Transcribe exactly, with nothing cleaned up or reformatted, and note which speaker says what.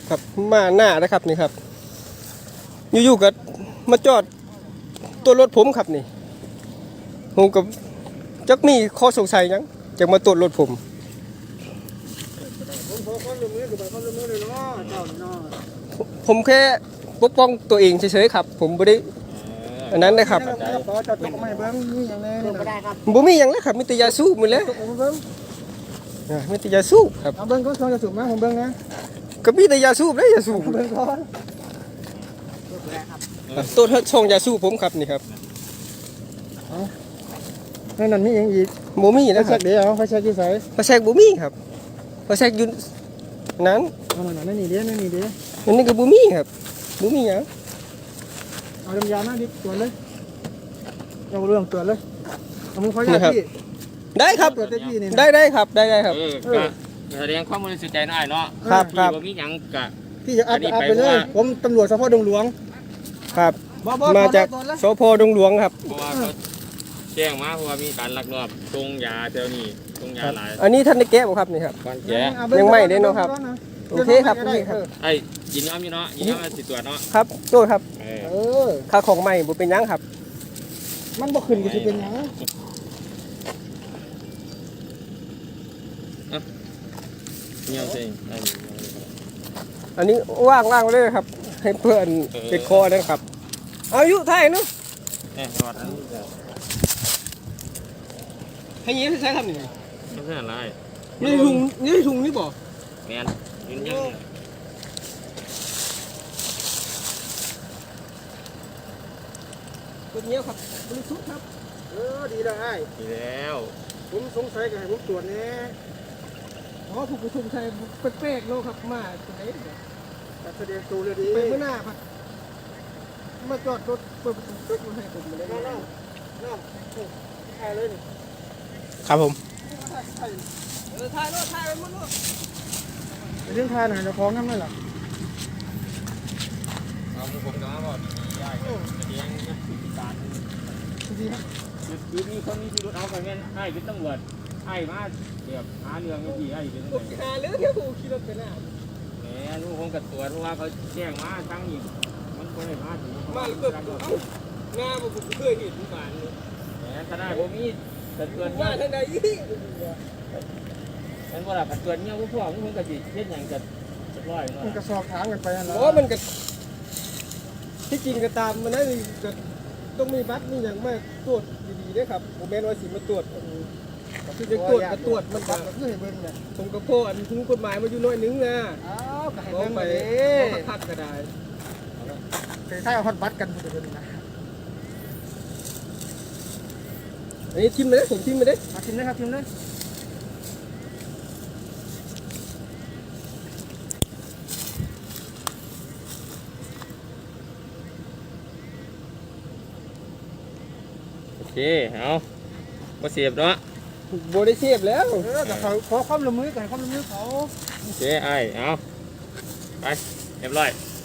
Speaker 1: ครับมาหน้านะครับนี่ครับอยู่ๆก็มาจอดตัวรถผมครับนี่ผมกับจักมีข้อสงสัยยังจะมาตรวจรถผม
Speaker 2: ผมขอความร่วมมือกับความร่วมมือเลยเนาะเจ้าเนาะ
Speaker 1: ผมแค่ปกป้องตัวเองเฉยๆครับผมไม่ได้อันนั้นนะครับ
Speaker 2: ขอจัดตกมาให้เบิ้งมีอย่างไรนี่ได้ครับ
Speaker 1: บ่มีอย่างแล้วครับมีแต่ยาสูบหมดแล้ว
Speaker 2: ตกมาเบิ้ง
Speaker 1: มีแต่ยาสูบครับ
Speaker 2: เอาเบิ้งก็ชอบจะสูบมาผมเบิ้งนะ
Speaker 1: ก็มีแต่ยาสูบเลยยาสูบ
Speaker 2: เบิ้งก่อน
Speaker 1: ตัวเท่าช่องยาสูบผมครับนี่ครับ
Speaker 2: นั่นนั่นมีอย่างอีก
Speaker 1: บ่มีนะครั
Speaker 2: ไฟแช็
Speaker 1: บ
Speaker 2: กเดี๋ยวไฟแช็กอยู่ไส
Speaker 1: ไฟแช็กบ่มีครับไฟแช็กอยู่นั้น
Speaker 2: เอาหน่อยนั่นนี่เดี๋ยวนั่นนี่เดี๋ยว
Speaker 1: อันนี้ก็บ่มีครับบ่มีหยัง
Speaker 2: เอาน้ำยามาดิตรวจเลยเอาเรื่องตรวจเลยเอามือขออยาพี่
Speaker 1: ได้ครับ
Speaker 2: ตรวจได้พี่นี่
Speaker 1: ได้ได้ครับได้ได้ครับ
Speaker 3: เออก็แสดงความบริสุทธิ์ใจหน่อยเนาะ
Speaker 1: ครับครับ
Speaker 3: มีหยังกะ
Speaker 2: พี่จะอัดอัดไปเลยผมตำรวจสพดงหลวง
Speaker 1: ครับมาจากสพดงหลวงครับ
Speaker 3: เพราะว่าเขาแจ้งมาเพราะว่ามีการลักลอบตรงยาแถวนี้ตรงยาหลาย
Speaker 1: อันนี้ท่านได้แก้บ่ครับนี่ครับ
Speaker 3: ก่อนแก้
Speaker 1: ยังไม่ได้เนาะครับโอเคครับโอเคครับ
Speaker 3: ไอ้ยินยอมอยู่เนาะยินยอมสิตรวจเนาะ
Speaker 1: ครับโทษครับ
Speaker 3: เอ
Speaker 1: อค่าของใหม่บ่เป็นหยังครับ
Speaker 2: มันบ่ขึ้นก็สิเป็นหยัง
Speaker 3: เงี้ยจริง
Speaker 1: อันนี้ว่างว่างเลยครับให้เพื่อนติดคอนะครับอายุไทยเนาะ
Speaker 3: เออรอด
Speaker 1: ให้ยิ้มใช้คำนี้
Speaker 3: ไม่ใช่อะไร
Speaker 1: นี่ถุงนี่ถุงนี่บ่
Speaker 3: แมนยืนยัง
Speaker 1: ตัวนี้ครับบริสุทธิ์ครับ
Speaker 2: เออดีแล้วไอ้
Speaker 3: ดีแล้ว
Speaker 2: ผมสงสัยก็ให้ผมตรวจแน่
Speaker 1: อ๋อผู้ผู้ชมใช้เป๊กๆโลครับมาตัวไหน
Speaker 2: แต่แสดงตัวเลยดี
Speaker 1: ไปเมื่อหน้าครับมาจอดรถเปิดประตูตึ๊กมาให้ผมเลย
Speaker 2: น้องน้องน้องถ่ายเลยนี่
Speaker 1: ครับผม
Speaker 2: เออถ่ายรถถ่ายไปหมดรถเรื่องถ่ายหน่อยจะคล้องกันไหมล่ะ
Speaker 3: เอาผมก็มาบอกดีๆได้แสดงการ
Speaker 2: ดีครับ
Speaker 3: คือมีคนมีพิรุธเอาไปแม่นไอ้เป็นตำรวจไอ้มาเดี๋ยวหาเรื่องไม่ดีไอ้เป็นตำรวจ
Speaker 1: หาเรื่องที่ผมขี่รถไปหน้า
Speaker 3: แหมลูกผมกับตัวเพราะว่าเขาแจ้งมาทั้งอีกมันคนไหนมาถึง
Speaker 1: มาเกิดเอ้างาผมเคยเห็นบ้านเลย
Speaker 3: แหมถ้าได้ผมมีแต่ตัวนี้
Speaker 1: ว่าท่านใดยี่
Speaker 3: มันว่าแบบตัวนี้พวกพ่อมึงกับจีเช่นอย่างจะจะร้อย
Speaker 2: มันก็สอบถามกันไปนะ
Speaker 1: โอ้มันก็ที่จริงก็ตามมันได้ก็ต้องมีบัตรมีอย่างมากตรวจดีๆด้วยครับผมแม่นว่าสิมาตรวจคือจะตรวจก็ตรวจมันก็
Speaker 2: คือให้เบิ่งเนี่ย
Speaker 1: ผมก็พ่ออันถึงกฎหมายมาอยู่น้อยนึงนะ
Speaker 2: อ้าวก็ให้เบิ่ง
Speaker 1: ไปพักก็ได้
Speaker 2: เคยใช้เอาฮอตบัตกันดูดูนะ
Speaker 1: อันนี้ทิมไปเลยผมทิมไปเลย
Speaker 2: ทิมเลยครับทิมเลย
Speaker 3: โอเคเอาก็เสียบเนาะ
Speaker 1: โบได้เสียบแล้ว
Speaker 2: เออแต่เขาขอความร่วมมือกันความร่วมมือเขา
Speaker 3: โอเคไอ้เอาไปเรียบร้อย